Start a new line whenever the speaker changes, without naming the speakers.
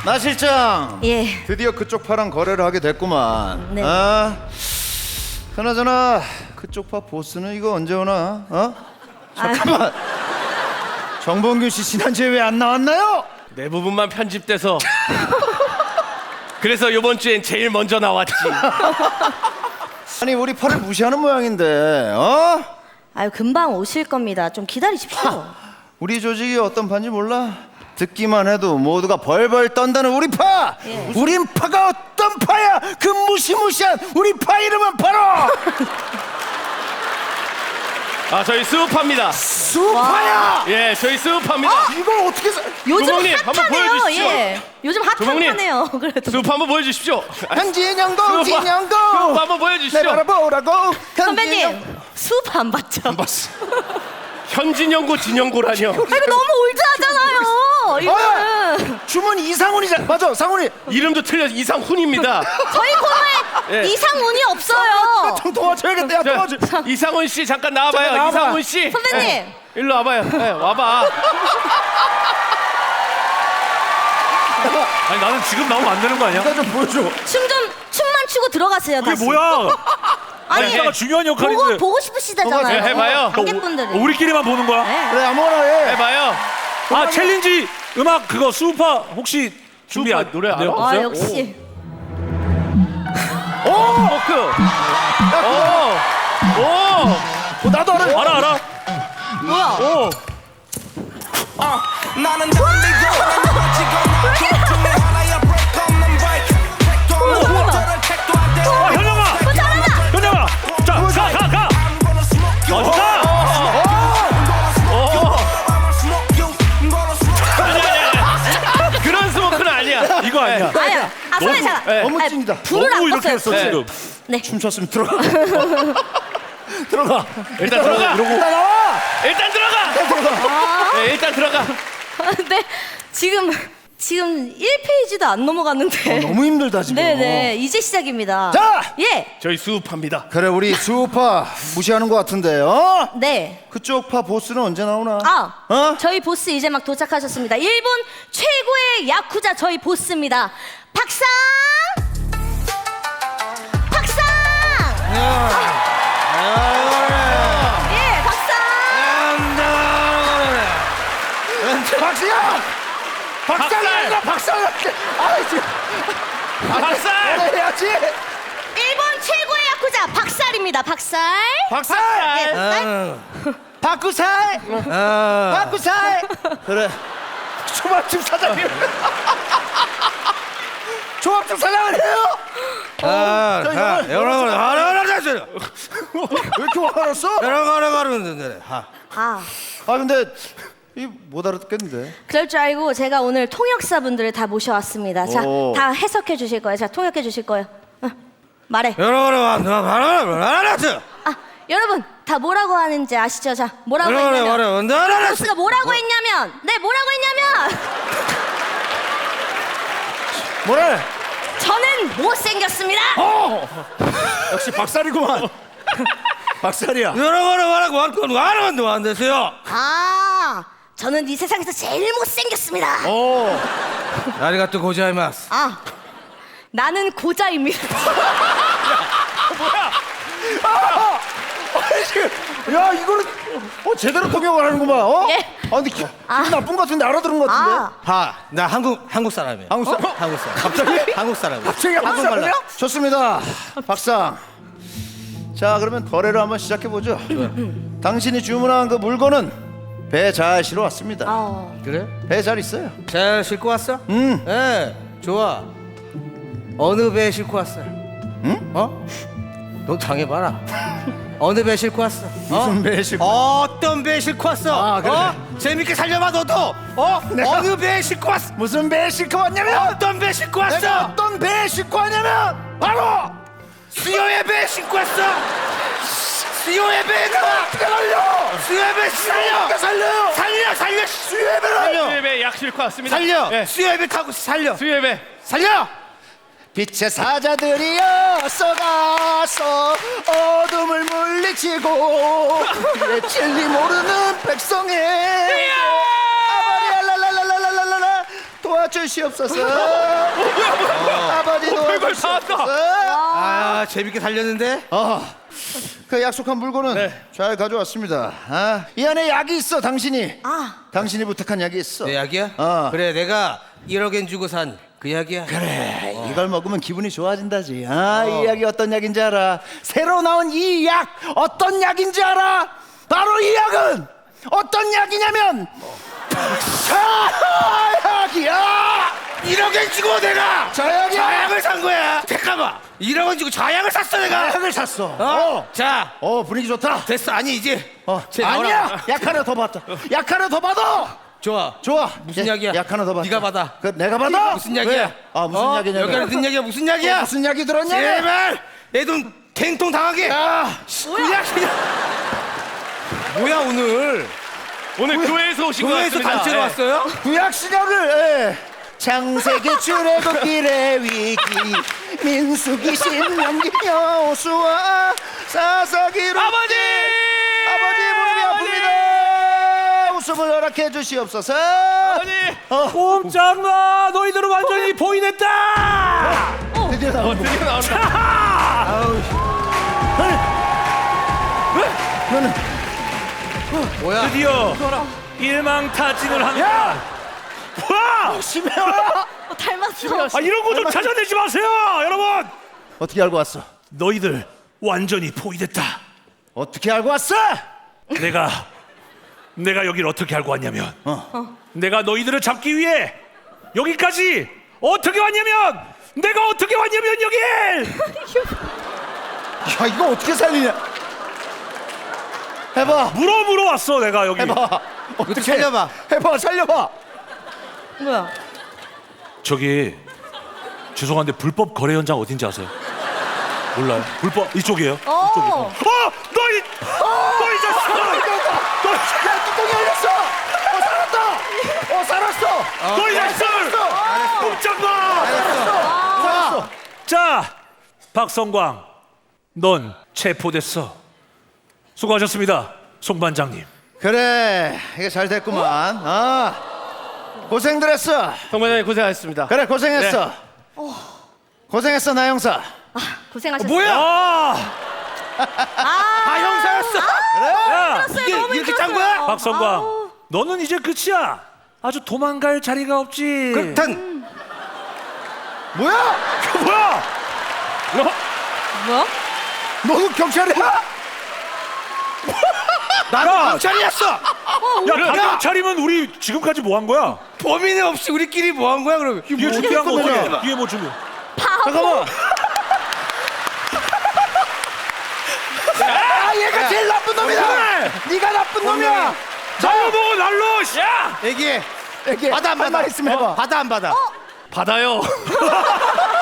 나 실장.
예.
드디어 그쪽 파랑 거래를 하게 됐구만.
네.
아, 그나저나 그쪽 파 보스는 이거 언제 오나? 어? 잠깐만. 정봉균 씨 지난주에 왜 안 나왔나요?
내 부분만 편집돼서 그래서 이번 주엔 제일 먼저 나왔지.
아니 우리 파를 무시하는 모양인데, 어?
아유 금방 오실 겁니다. 좀 기다리십시오.
우리 조직이 어떤 파인지 몰라? 듣기만 해도 모두가 벌벌 떤다는 우리 파!
예.
우린 파가 어떤 파야! 그 무시무시한 우리 파 이름은 바로
아, 저희 수우파입니다.
수파야!
예, 저희 수우파입니다.
이거 어떻게
요즘
조목님, 한번
핫하네요.
보여주시죠.
예. 요즘 핫한
조목님.
파네요. 그래도
수우파 한번 보여주십시오.
한진영고
수우파
진영고
한번
내
보여주시죠.
바라보라고
선배님 수업 안 봤죠?
현진영고 진영고라뇨.
아, 이거 너무 올드하잖아요. 이거는
주문 이상훈이잖아. 맞아, 상훈이.
이름도 틀려 이상훈입니다.
저희 코너에
예.
이상운이 없어요.
좀 도와줘야겠다. 야, 도와줘.
이상훈 씨 잠깐 나와봐요.
잠깐 나와봐.
이상훈 씨.
선배님.
예, 일로 와봐요. 예, 와봐.
아니 나는 지금 나오면 안 되는 거 아니야?
나 좀 보여줘.
춤만 추고 들어가세요.
그게
다시.
뭐야?
아니
이따가 중요한 역할인데.
보고 싶으시다잖아요.
네, 해봐요.
관객분들이.
우리끼리만 보는 거야?
네.
그래, 아무거나 해.
해봐요.
아 챌린지 음악 그거 수우파 혹시 준비
수우파
안
노래 알아?
네,
아
없어요?
역시.
워크. 오.
나도 알아.
알아.
뭐야?
오.
나는 달리고 너는 지금 하나야 break 없는 break 모터를 택도 안 돼.
아 현영아. 현영아. 자 가.
I'm gonna smoke you.
가.
그런 스모크는 아니야.
이거 아니야.
아니야. 아 선배 잠깐.
네.
너무 찐이다.
불을
너무
안
이렇게
껐어요.
했어
네.
지금.
네.
춤췄으면 들어가. 들어가.
일단 들어가.
나 나와.
일단 들어가. 네, 일단 들어가.
근데 지금 1페이지도 안 넘어갔는데.
너무 힘들다 지금.
네네 이제 시작입니다.
자!
예.
저희 수우파입니다.
그래, 우리 수우파 무시하는 것 같은데, 어?
네.
그쪽 파 보스는 언제 나오나?
아,
어?
저희 보스 이제 막 도착하셨습니다. 일본 최고의 야쿠자 저희 보스입니다. 박상! 박상! 예, 박상!
박수야! 박상이야! 박상! 아, 지금
박살.
해야지.
일본 최고의 야쿠자 박살입니다. 박살.
박살.
예,
박구살! 박구살! 그래. 초밥집 사장님. 초밥집 사장을 해요?
여러분 하나하나씩
왜 이렇게 화가 났어?
가르가르가르는데
아,
근데 이 못 알아듣겠는데.
그럴 줄 알고 제가 오늘 통역사분들을 다 모셔왔습니다. 자,
오.
다 해석해 주실 거예요. 자, 통역해 주실 거예요. 말해.
여러분 하나하나씩
아, 여러분 다 뭐라고 하는지 아시죠? 자, 뭐라고 했냐면 보스가 뭐라고 했냐면 뭐라고 했냐면
뭐래?
저는 못생겼습니다.
역시 박살이구만. 박살이야.
여러분 말하고 하나도 안 되세요.
아, 저는 이 세상에서 제일 못생겼습니다.
아리가또 고자이마스.
아, 나는 고자입니다.
야, 이거는 제대로 통역을 하는구만. 어?
예.
근데 기분 나쁜 것 같은데 알아들은 것 같은데.
아,
나 한국 사람이야.
한국 사람?
한국 사람.
갑자기?
한국 사람이야.
갑자기 한국 사람이야? 좋습니다. 박상. 자, 그러면 거래를 한번 시작해 보죠. 당신이 주문한 그 물건은 배 잘 실어 왔습니다.
그래?
배 잘 있어요.
잘 싣고 왔어? 예, 좋아. 어느 배 싣고 왔어? 응? 어? 너 당해봐라. 어느 배 싣고 왔어?
무슨 배 싣고?
어떤 배 싣고 왔어?
아, 그래.
재밌게 살려봐 너도. 어느 배 싣고 왔어?
무슨 배 싣고 왔냐면?
어떤 배 싣고 왔어?
내가 어떤 배 싣고 왔냐면 바로
수요의 배 싣고 왔어. 수요의 배가
어떻게 살려?
수요의 배
어떻게 살려요?
살려 수요의 배를
수협에 약 싣고 왔습니다.
살려.
예.
수요의 배 타고 살려.
수협에.
살려.
빛의 사자들이여 쏘가서 어둠을 물리치고 내 진리 모르는 백성의 아바리알랄랄랄랄랄라 도와 도와주시옵소서. 아버지
별걸
도와주시옵소서.
아 재밌게 달렸는데.
그 약속한 물건은
네.
잘 가져왔습니다. 이 안에 약이 있어. 당신이 당신이 부탁한 약이 있어.
내 약이야? 그래 내가 1억엔 주고 산 그 약이야.
그래 이걸 먹으면 기분이 좋아진다지. 이 약이 어떤 약인지 알아? 새로 나온 이 약 어떤 약인지 알아? 바로 이 약은 어떤 약이냐면 자약이야.
1억엔 주고 내가
자약이야.
자약을 산 거야. 잠깐만. 1억원 주고 자약을 샀어 내가.
약을 샀어.
자
분위기 좋다.
됐어. 아니 이제 쟤
아니야.
너랑-
약 하나 더 받자. 약 하나 더 받아.
좋아.
좋아.
무슨
예,
약이야?
약 하나 더 받자.
네가 받아.
그 내가 받아.
무슨 약이야?
왜? 무슨 약이냐?
여기 안에 든 약이야. 무슨 약이야?
무슨 약이 들었냐?
제발 내 돈 갱통 당하게. 그냥 뭐야 오늘?
오늘 교회에서 오신 것
교회에서
같습니다.
단체로
예.
왔어요?
구약 시간을 창세기 출애굽길의 위기 민수기 신명기 여호수아 사사기로
아버지!
무릎이 아픕니다. 웃음을 허락해 주시옵소서.
아버지!
꼼짝마 너희들은 완전히 포인했다.
드디어 나온
드디어 나온다.
너는
뭐야?
드디어 일망타진을 한다. 와!
심해와.
닮았어.
이런 거 좀 찾아내지 마세요, 여러분.
어떻게 알고 왔어?
너희들 완전히 포위됐다.
어떻게 알고 왔어?
내가 여길 어떻게 알고 왔냐면, 내가 너희들을 잡기 위해 여기까지 어떻게 왔냐면, 내가 어떻게 왔냐면 여길.
야 이거 어떻게 살리냐? 해봐.
물어 왔어 내가 여기.
해봐. 어떻게
살려봐.
해봐. 살려봐.
뭐야?
저기 죄송한데 불법 거래 현장 어딘지 아세요? 몰라요? 불법 이쪽이에요. 이쪽이요. 너희 자식!
야 뚜껑이 열렸어. 살았다. 살았어.
너희 자식들! 꼼짝 마!
살았어.
자, 박성광, 넌 체포됐어. 수고하셨습니다, 송 반장님.
그래 이게 잘 됐구만. 고생들 했어.
성반장님 고생하셨습니다.
그래 고생했어. 고생했어 나 형사.
고생하셨어요.
뭐야? 다 형사였어.
야,
이게 이렇게 짠 거야?
박성광, 너는 이제 끝이야. 아주 도망갈 자리가 없지.
그렇단
뭐야?
뭐야?
뭐야?
너도 경찰이야?
나도 경찰이었어.
야, 경찰이면 우리 지금까지 뭐 한 거야?
범인이 없이 우리끼리 뭐 한 거야 그러면?
뒤에 준비한 거
끝내냐?
어떻게? 뒤에 뭐 준비?
잠깐만. 얘가 제일 나쁜 놈이다. 네가 나쁜 놈이야.
날로 먹어 날로. 야!
얘기해.
이렇게
받아 안
할
받아?
말 있으면 해봐.
받아 안 받아?
받아요.